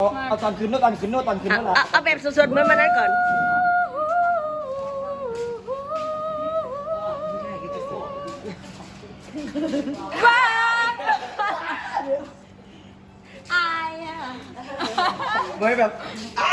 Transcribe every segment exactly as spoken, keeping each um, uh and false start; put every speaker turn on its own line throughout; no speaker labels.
เอาตอนคืนโน้ตตอนคืนโน้ตตอนคืนโน้ตเหรอ
เอาเอาแบบสดๆเหมือนมันนั้นก่อนว้าอายอ่ะ
เหมือนแบบ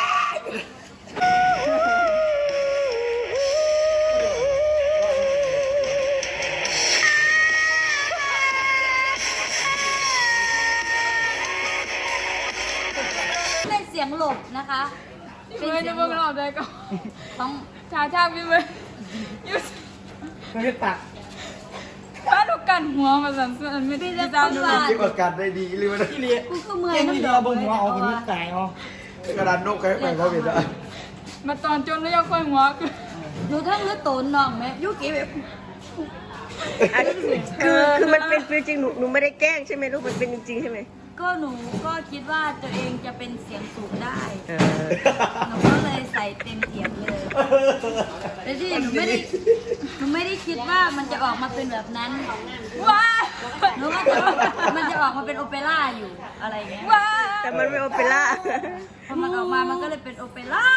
เป็นเสียงหลบนะคะ
พี่เมย์จะเบิ่งรอบได้ก็
ต้อง
ชาชาพี่เมย์ยูส
ไม่ได้ตัก
ถ้าลูกกันหัวมาสั่นสั่นไม่ได้จะดู
เก็บอาการได้ดีเลยวันนี้
กูก็เมื่อย
เก่ง
น้ำ
ที่
ด
ดี
อก
เอาบนหัวเอาคนนี้แตกเอากระดานนกใครไปเขาเป็นอะ
มาตอนจนแล้วยังค่อยหัวคือ
หนูทั้งเลือดโตนน้องไหมยุกี้แบบ
อ่ะคือคือมันเป็นจริงหนูหนูไม่ได้แกล้งใช่ไหมลูกมันเป็นจริงๆใช่ไหม
ก็หนูก็คิดว่าตัวเองจะเป็นเสียงสูงได้
เออ
หนูก็เลยใส่เต็มเสียงเลยแต่ที่หนูไม่ได้หนูไม่ได้คิดว่ามันจะออกมาเป็นแบบนั้น
ว้า
หนูก็จะมันจะออกมาเป็นโอเปร่าอยู่อะไรเงี้ย
ว้า
แต่มันไม่โอเปร่า
พอมันออกมามันก็เลยเป็นโอเปร่า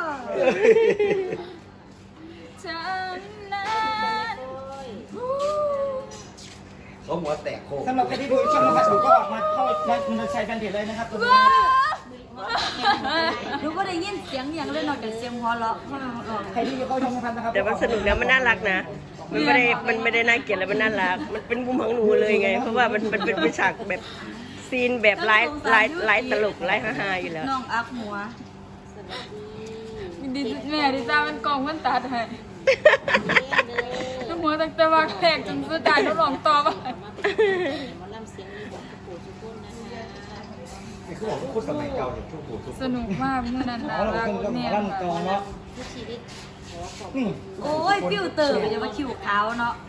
ฉันนั้น
เขาหัวแตกโคสำหรับใครที่ดูช่องนะครับดูก็ออกมาเข้ามันจะใช้แฟนเพจเลยนะครับตัวนี้
ว้า
หนูก็ได้ยินเสียงอย่างเล่นนอกจากเสียงหัวเราะเพราะมันออก
ใครที่เข้าช่องนะครับ
แต่มันสนุกแล้วมันน่ารักนะมันไม่ได้มันไม่ได้น่าเกลียดแล้วมันน่ารักมันเป็นมุมของหนูเลยไง เพราะว่ามันมันเป็นฉากแบบซีนแบบไลฟ์ไลฟ์ไลฟ์ตลกไลฟ์ฮาๆอยู่แล้ว
น้องอักหัว
ดิแม่ดิจ้ามันกองมันตาไทยหัวตั้งแต่ว่าแขกจนสุดท้ายเขาลองต่อมา
นี่คือบอกว่าพูดสมัยเก่าเนี่ยทุกผู้ทุก
สนุกมากเมื่อนั้น
อ๋
นะ
อเรา
รัก
คนก็
เนี่ย
ร่ำกองเนาะนี่
โอ้ยฟิวเตอร์อย่ามาคิวขาวเนาะ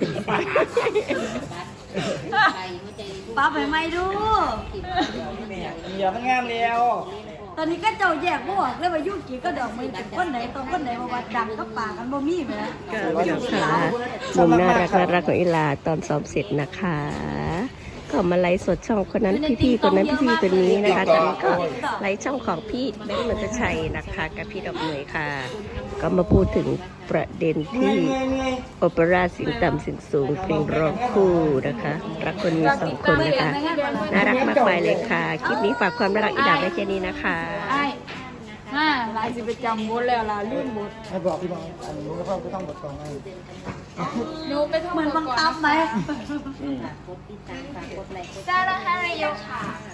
ป้าไปไหมดู
อย่ามันงามแล้ว
ตอนนี้ก็เจ้าแยกบวกเลยว่ายุกี้ก็ดอกมือเป็นคนไหนตรงคนไหนมาวัดดังก็ปากกันบ่มีไหม
ก็นะคะมุมน่ารักน่ารักของอิลาตอนซ้อมเสร็จนะคะ ก็มาไลฟ์สดช่องคนนั้นพี่ๆคนนั้นพี่ๆคนนี้นะคะตอนนี้ก็ไลฟ์ช่องของพี่แบงค์นนทชัยนะคะกับพี่ดอกเหมยค่ะ ก็มาพูดถึงประเด็น
เหนื่อ
ที่
ยเหนื่อยเหนื่อย
โอเปร่าเสียงต่ำเสียงสูงเพลงร้องคู่นะคะรักคนมีสองคนนะคะน่ารักมากมายเลยค่ะคลิปนี้ฝากความน่ารักอีดาไว้แค่นี้นะคะ
ไอ้ฮ่าลายสิไปจำบทแล้วล่ะลื่นบท
ให้บอกพี่น้องอันนี้ก็ต้องต้องบทกองไง
หนูไปท่อง
เหมือนบังคับไหม
ซาลาฮารายค่ะ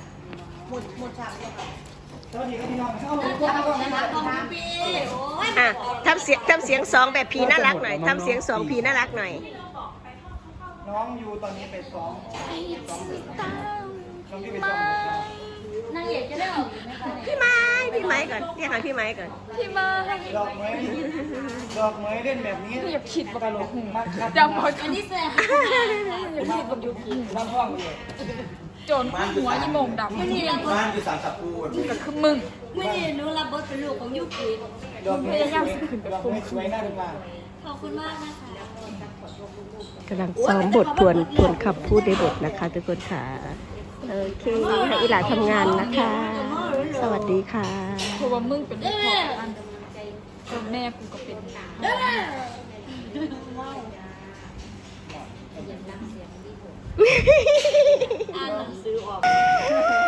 สวัสดีครับพี่น้องเข้ามาพูดเข้ามา
ของพี่โอ้ย
อ่ะทำเสียงทำเสียงสองแบบพีน่ารักหน่อยทำเสียงสองพีน่ารักหน่อย
น้องอยู่ตอนนี้ไปซ้อมซ้อมเด็กน้องที่ไปซ้อม
นางเอกจะได้ออกไหมคะเนี่ย
พี่ไม้พี่ไม้ก่อนเรียกหาพี่ไม้ก่อน
ที่มาให้
ดอกไม้ดอกไม้เล่นแบบนี้
อยากคิด
ต
ว่า
ลกมากครับ
จำบท
อันนี้แสบ
อยากคิดว่ายุกิ
ร่างห้องเลย
โจรคู่หัวยี่โมงดำ
ไม่นี่รับบท
บ้านอยู่สามสับปู
ก็คือมึง
ไม่นี่หนูรับบทเป็นลูกของยุกิ
ดอกไม้ดอกไม้สวยน่าดูมาก
ขอบคุณมากนะคะ
กำลังซ้อมบททวนทวนคำพูดในบทนะคะทุกคนค่ะโอเคให้อีหลาทำงานนะคะ สวัสดีค่ะ
เพราะว่ามึงเป็นพ่ออันส่วนแม่กูก็เป็น
อ่านหนังสือออก